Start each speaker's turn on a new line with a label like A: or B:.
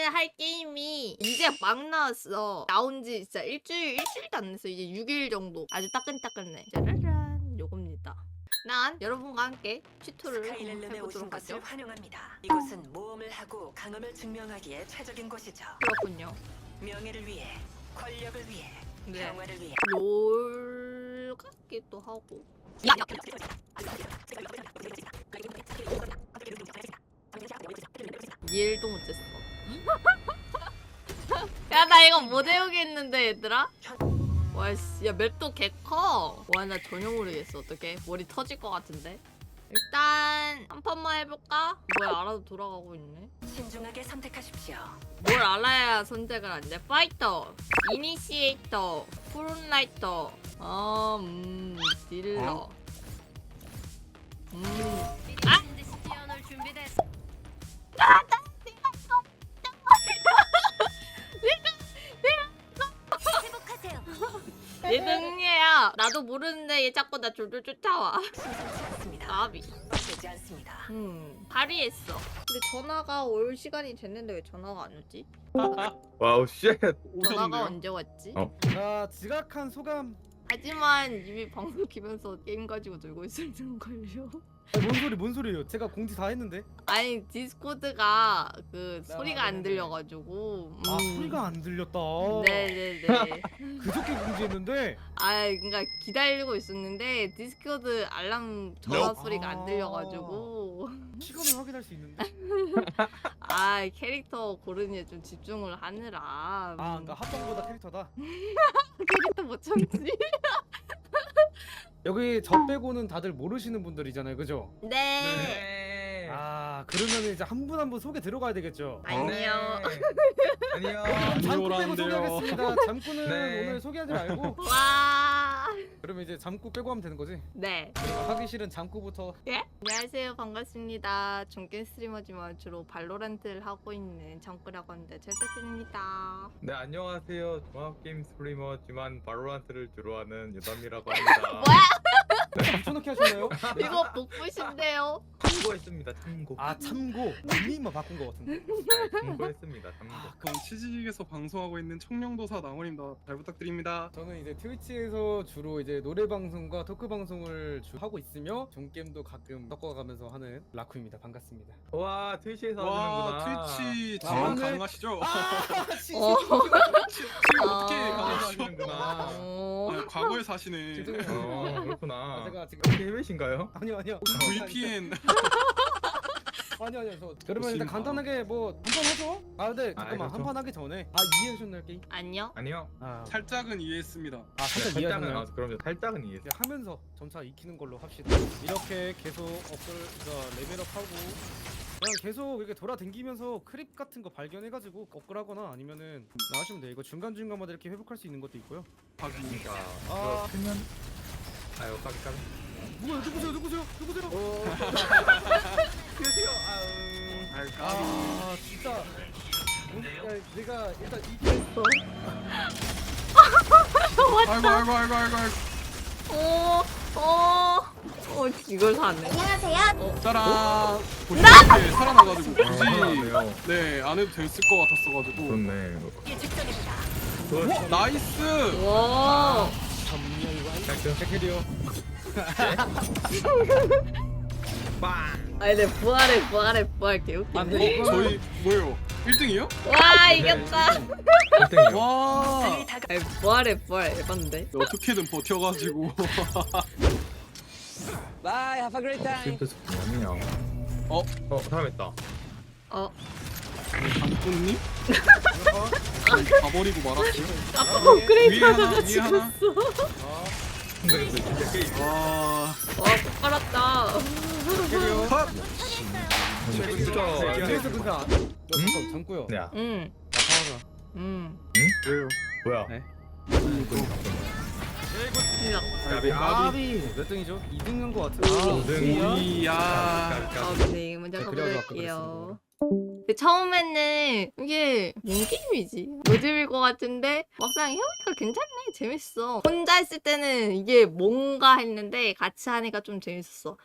A: 할 게임이 이제 막 나왔어. 나온 지 진짜 일주일도 안 됐어. 이제 6일 정도. 아주 따끈따끈해. 짜라란 요겁니다. 난 여러분과 함께 튜토를 한번
B: 스카이렐름에 오신
A: 해보도록
B: 것을
A: 하죠.
B: 환영합니다. 이곳은 모험을 하고 강함을 증명하기에 최적인 곳이죠.
A: 그렇군요.
B: 명예를 위해, 권력을 위해,
A: 네.
B: 평화를 위해.
A: 롤 같기도 하고. 일도 못했어. 야, 나 이거 못 외우겠는데, 얘들아? 와씨, 야, 맵도 개커. 와, 나 전혀 모르겠어. 어떡해. 머리 터질 것 같은데. 일단 한 판만 해볼까? 뭐야, 알아도 돌아가고 있네.
B: 신중하게 선택하십시오.
A: 뭘 알아야 선택을 안 돼? 파이터, 이니시에이터, 프론라이터, 딜러. 아! 얘 능리야. 나도 모르는데 얘 자꾸 나 졸졸 쫓아와.
B: 심상치 않습니다.
A: 나비.
B: 되지 않습니다.
A: 발휘했어. 근데 전화가 올 시간이 됐는데 왜 전화가 안 오지?
C: 와우 쉣.
A: 전화가 언제 왔지?
D: 자, 지각한 소감.
A: 하지만 이미 방송 키면서 게임 가지고 놀고 있었는 걸요.
D: 뭔 소리예요? 제가 공지 다 했는데.
A: 아니 디스코드가 그
D: 네,
A: 소리가 안 들려가지고.
D: 아, 소리가 안 들렸다.
A: 네네네.
D: 그저께 공지했는데.
A: 아 그러니까 기다리고 있었는데 디스코드 알람 전화
D: Nope.
A: 소리가 안 들려가지고.
D: 시간을 확인할 수 있는데.
A: 아 캐릭터 고르니에 좀 집중을 하느라.
D: 아, 그러니까 합성보다 캐릭터다.
A: 캐릭터 못 참지.
D: 여기 저 빼고는 다들 모르시는 분들이잖아요, 그죠?
A: 네.
C: 네.
D: 아, 그러면 이제 한 분 한 분 소개 들어가야 되겠죠.
A: 아니요.
C: 아니요.
D: 잠꾸 빼고
E: 오라는데요.
D: 소개하겠습니다. 잠꾸는
C: 네.
D: 오늘 소개하지 말고.
A: 와.
D: 그러면 이제 잠꾸 빼고 하면 되는 거지?
A: 네.
D: 하기 싫은 잠꾸부터.
A: 예? 안녕하세요. 반갑습니다. 중견 스트리머지만 주로 발로란트를 하고 있는 정꾸라고 하는데 잘 부탁드립니다.
C: 네 안녕하세요. 종합 게임 스트리머지만 바로란트를 주로 하는 유담이라고 합니다.
A: 뭐야?
D: 붙여넣기 하셨나요?
A: 이거 복붙인데요.
C: 참고했습니다. 참고.
D: 아, 참고. 닉네임만 바꾼 거 같은데.
C: 참고했습니다. 참고.
E: 그럼 치즈직에서 방송하고 있는 청룡도사 나원입니다. 잘 부탁드립니다.
D: 저는 이제 트위치에서 주로 이제 노래 방송과 토크 방송을 하고 있으며 종게임도 가끔 섞어가면서 하는 라쿠입니다. 반갑습니다.
C: 와 트위치에서
E: 와
C: 하시는구나.
E: 트위치
D: 아,
E: 지원
D: 오늘-
E: 가능하시죠?
A: 어.
E: 지금 어떻게
A: 아.
E: 가능하시죠?
C: 하시는구나.
A: 어.
E: 아, 과거에 사시는
D: 죄송해요.
C: 그렇구나.
D: 제가 지금
C: 혹시 해외신가요?
D: 아니요.
E: VPN
D: 아니요. 그러면 일단
E: 아.
D: 간단하게 뭐 한판 하죠? 아, 근데 잠깐만
C: 그렇죠.
D: 한판 하기 전에 이해하셨나요 게임?
A: 안녕.
C: 아니요.
D: 아,
E: 살짝은 이해했습니다.
D: 살짝
C: 살짝은
D: 이해하셨나요?
C: 나와서 그럼요. 살짝은 이해.
D: 이제 하면서 점차 익히는 걸로 합시다. 이렇게 계속 레벨업하고 그냥 계속 이렇게 돌아다니면서 크립 같은 거 발견해가지고 업글하거나 아니면은 나가시면 돼요. 이거 중간중간마다 이렇게 회복할 수 있는 것도 있고요.
E: 하긴
C: 그러니까
D: 아.
C: 그거 크면 아유 까비.
D: 뭐야, 누구세요?
C: 그러세요.
D: 아, 진짜. 야, 내가 일단 이겼어.
E: 아이고
A: 이걸 사네.
E: 짜란 보시면 살아나가지고 굳이
C: 네요.
E: 네 안 해도 됐을 것 같았어가지고
C: 좋네.
B: 이게 직전입니다.
E: 나이스
A: 와.
D: 백헤리요.
A: 아니 내 부활해 개웃기네.
D: 안 돼.
E: 저희 뭐예요? 1등이요?
A: 와 이겼다.
C: 1등이요.
E: 와
B: 달리 다가
A: 아니 부활 에반데.
E: 어떻게든 버텨가지고
F: Bye, have a great time.
C: 진짜 아니야. 사람 있다.
A: 어.
E: 장군님? 가버리고 말았지
A: 아빠 업그레이드
E: 위에 하나,
A: 하다가
E: 위에 하나.
A: 죽었어.
C: 근데 그 진짜 게임.
E: 와
A: 와 깔았다.
D: 백헤리요.
E: 컷!
C: 진짜.
D: 그래서 근데 잠깐 잠고요.
C: 야.
A: 응.
D: 아파가.
A: 응.
E: 왜요?
C: 뭐야?
D: 네.
C: 까비.
D: 아비 몇 등이죠? 2등인 것 같아.
E: 이야
A: 네, 먼저
D: 네, 그래가지고
A: 가볼게요. 근데 처음에는 이게 뭔 게임이지? 요즘일 것 같은데 막상 해보니까 괜찮네. 재밌어. 혼자 했을 때는 이게 뭔가 했는데 같이 하니까 좀 재밌었어.